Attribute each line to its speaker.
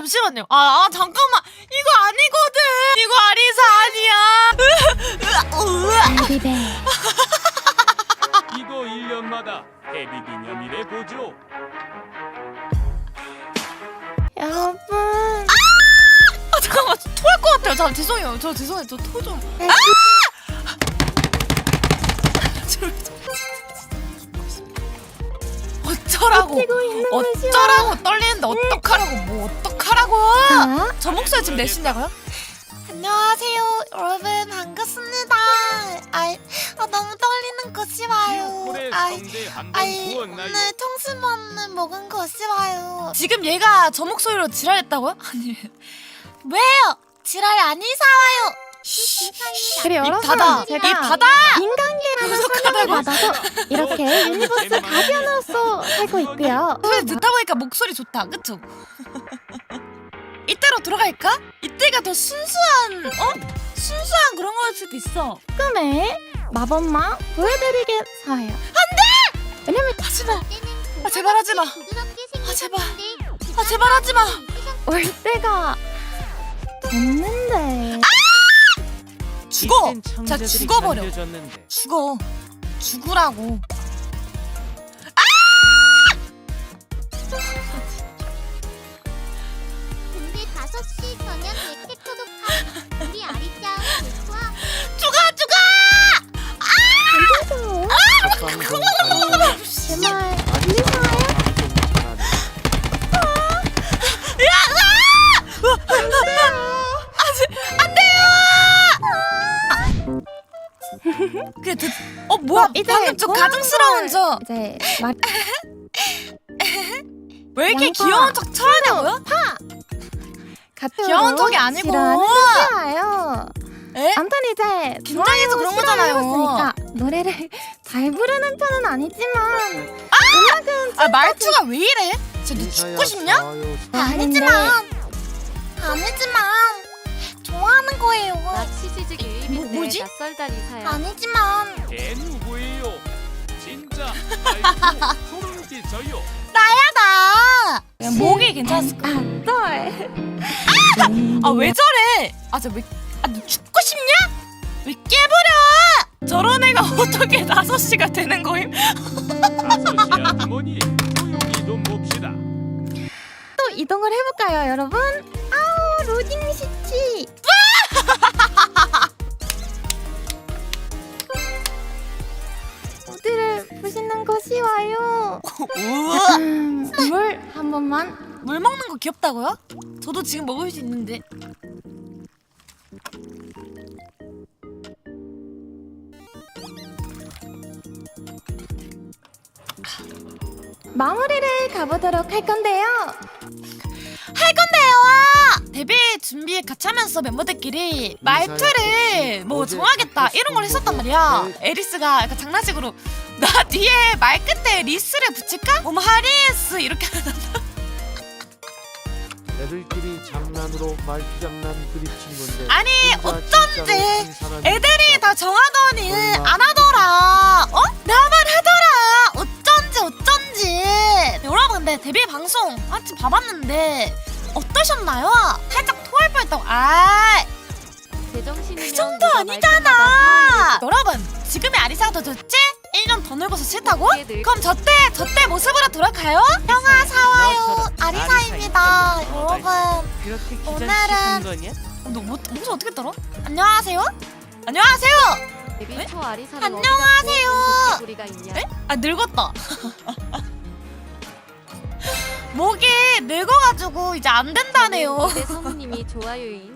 Speaker 1: 잠시만요. 잠깐만. 이거 아니거든. 이거 아리사 아니야.
Speaker 2: 베이비베.
Speaker 3: 이거 1년마다 데뷔 기념일에 보죠.
Speaker 2: 여러분.
Speaker 1: 잠깐만. 토할 것 같아요. 죄송해요. 죄송해요. 저 토 좀. 어쩌라고 떨리는데 어떡하라고 어떡하라고 저 목소리 지금 내신다고요? 안녕하세요 여러분 반갑습니다. 너무 떨리는 거 싫어요. 오늘 통수만은 먹은 거 싫어요. 지금 얘가 저 목소리로 지랄했다고요? 아니 왜요? 지랄이 아니사와요.
Speaker 2: 그래 여러분
Speaker 1: 닫아.
Speaker 2: 제가
Speaker 1: 입 닫아.
Speaker 2: 인간계라는 소명을 받아서 이렇게 유니버스 가디언으로서 살고 있고요.
Speaker 1: 소리 듣다 보니까 목소리 좋다 그쵸? 이때로 들어갈까? 이때가 더 순수한 순수한 그런 거일 수도 있어.
Speaker 2: 꿈에 마법만 보여드리겠어요.
Speaker 1: 안돼!
Speaker 2: 왜냐면
Speaker 1: 하지마. 제발 하지마. 제발. 제발 하지마.
Speaker 2: 올 때가 됐는데.
Speaker 1: 죽어. 자 죽어버려. 죽으라고.
Speaker 4: 근데 5시 전엔 백색토도 파. 우리 아리짱 좋아.
Speaker 1: 죽어.
Speaker 2: 제발 리사예요? 뭐야? 이제
Speaker 1: 방금 좀 가증스러운 저.
Speaker 2: 이제
Speaker 1: 왜 이렇게
Speaker 2: 양파.
Speaker 1: 귀여운 척 쳐야냐고요? 귀여운 척이 아니고.
Speaker 2: 싫어요.
Speaker 1: 에?
Speaker 2: 아무튼 이제
Speaker 1: 긴장해서 그런 거잖아요.
Speaker 2: 해봤으니까 노래를 잘 부르는 편은 아니지만
Speaker 1: 말투가 왜 이래? 쟤너 죽고 싶냐? 아니지만 좋아하는 거예요.
Speaker 5: 나 치즈직 유입인데
Speaker 1: 뭐지?
Speaker 5: 낯설다 리사야.
Speaker 1: 아니지만
Speaker 3: 걔 누구예요? 진짜 아이고 소름 끼쳐요.
Speaker 1: 나. 목이 괜찮았을 거야. 왜 저래? 너 죽고 싶냐? 왜 깨버려? 저런 애가 어떻게 5시가 되는 거임?
Speaker 3: 5시 아주머니 조용히 좀 봅시다.
Speaker 2: 또 이동을 해볼까요 여러분? 로딩 시치. 어디를 보시는 것이와요? 물 한 번만.
Speaker 1: 물 먹는 거 귀엽다고요? 저도 지금 먹을 수 있는데.
Speaker 2: 마무리를 가보도록 할 건데요.
Speaker 1: 데뷔 준비 같이 하면서 멤버들끼리 말투를 뭐 정하겠다 이런 걸 했었단 말이야. 에리스가 약간 장난식으로 나 뒤에 말 끝에 리스를 붙일까? 하리스 이렇게
Speaker 6: 애들끼리 장난으로 말장난 그립친 건데
Speaker 1: 아니
Speaker 6: 진짜
Speaker 1: 어쩐지
Speaker 6: 진짜로 한 사람이
Speaker 1: 애들이 다 정하더니 안 하더라. 나만 하더라. 어쩐지. 여러분 근데 데뷔 방송 한참 봐봤는데 어떠셨나요? 살짝 토할 뻔했다고.
Speaker 5: 제정신이면
Speaker 1: 그 정도
Speaker 5: 누가
Speaker 1: 아니잖아. 여러분 지금의 아리사가 더 좋지? 1년 더 늙어서 싫다고? 그럼 저때 모습으로 돌아가요? 형아 사와요 아리사입니다. 여러분 오늘은 너 목소리 어떻게 떨어? 안녕하세요?
Speaker 5: 데뷔 초 아리사를
Speaker 1: 안녕하세요.
Speaker 5: 우리가 있냐?
Speaker 1: 에? 늙었다. 목이 늙어가지고 이제 안 된다네요.
Speaker 5: 내 성우님이 좋아요인.